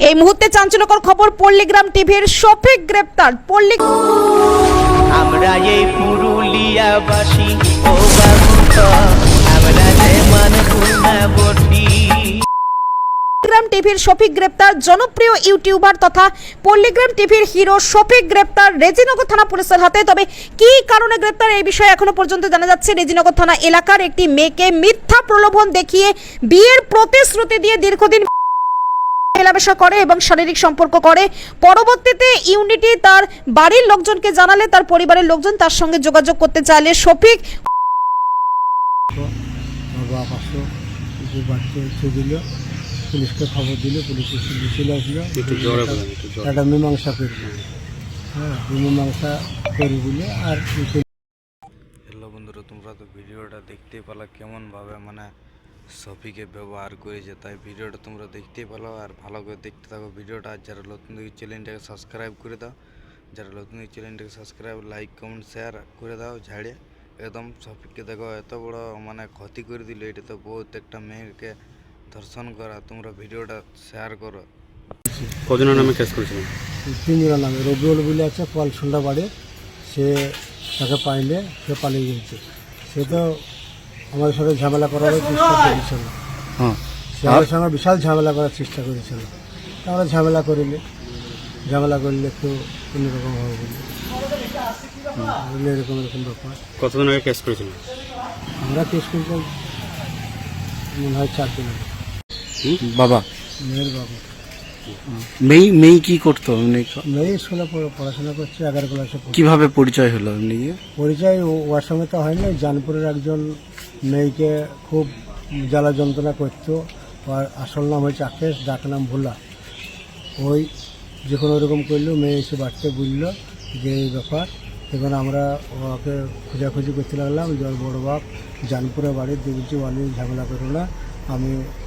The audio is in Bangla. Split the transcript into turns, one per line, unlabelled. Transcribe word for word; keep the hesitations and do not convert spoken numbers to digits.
এই মুহূর্তে চাঞ্চল্যকর খবর, পল্লীগ্রাম টিভির শফিক গ্রেপ্তার। পল্লী
আমরা এই পুরুলিয়াবাসী ও বাবুটা আমরা যে মানপুরনাবতী।
পল্লীগ্রাম টিভির শফিক গ্রেপ্তার। জনপ্রিয় ইউটিউবার তথা পল্লীগ্রাম টিভির হিরো শফিক গ্রেপ্তার রেজিনগর থানা পুলিশের হাতে। তবে কি কারণে গ্রেপ্তার এই বিষয়ে এখনো পর্যন্ত জানা যাচ্ছে। রেজিনগর থানা এলাকার একটি মেয়েকে মিথ্যা প্রলোভন দেখিয়ে বিয়ের প্রতিশ্রুতি দিয়ে দীর্ঘদিন মেলামেশা করে এবং শারীরিক সম্পর্ক করে। পরবর্তীতে ইউনিটি তার বাড়ির লোকজনকে জানালে তার পরিবারের লোকজন তার সঙ্গে যোগাযোগ করতে চাইলে শফিক
পুলিশকে খবর দিল, পুলিশ চলে আসলো, একটা মীমাংসা করল। হ্যাঁ, মীমাংসা করি বলে আর
হ্যালো বন্ধুরা, তোমরা তো ভিডিওটা দেখতেই পেলা কেমনভাবে মানে শফিকে ব্যবহার করেছে, তাই ভিডিওটা তোমরা দেখতেই পেলো। আর ভালো করে দেখতে থাকো ভিডিওটা। আর যারা নতুন দিকে চ্যানেলটাকে সাবস্ক্রাইব করে দাও, যারা নতুন দিকে চ্যানেলটাকে সাবস্ক্রাইব, লাইক, কমেন্ট, শেয়ার করে দাও। ঝাড়ে একদম শফিককে দেখো এত বড় মানে ক্ষতি করে দিল। এটা তো বহুত একটা মেয়েকে ধর্ষণ করা। তোমরা ভিডিওটা শেয়ার করো।
কজনের নামে কেস করেছিলেন?
তিনজনের নামে। রবিউল বলে আছে কলসুন্ডা বাড়ি, সে তাকে পাইলে সে পালিয়ে গেছে। সে তো আমাদের সাথে ঝামেলা করার চেষ্টা করেছিল, সে আমাদের সঙ্গে বিশাল ঝামেলা করার চেষ্টা করেছিল। আমরা ঝামেলা করিলে ঝামেলা করলে একটু অন্যরকম হবে বলে এরকম এরকম ব্যাপার।
কতদিন আগে কেস করেছিলেন?
আমরা কেস করতে মনে হয় চার দিন আগে।
বাবা
মেয়ের বাবা।
মেয়ে মেয়ে কি করতো?
মেয়ে স্কুলে পড়াশোনা করছে, এগারো ক্লাসে।
কিভাবে পরিচয় হলো এমনি?
পরিচয় ওর সঙ্গে তো হয়নি। জানপুরের একজন মেয়েকে খুব জ্বালা যন্ত্রণা করতো। আর আসল নাম হয়েছে আকেশ, ডাক নাম ভোলা। ওই যখন ওরকম করলো, মেয়ে এসে বাড়িতে বুঝলো যে এই ব্যাপার। এখন আমরা ওকে খোঁজাখুঁজি করতে লাগলাম যে ওর বড়ো বাপ জানপুরে বাড়ির দিয়ে বলছি ওয়ালি ঝামেলা করো না, আমি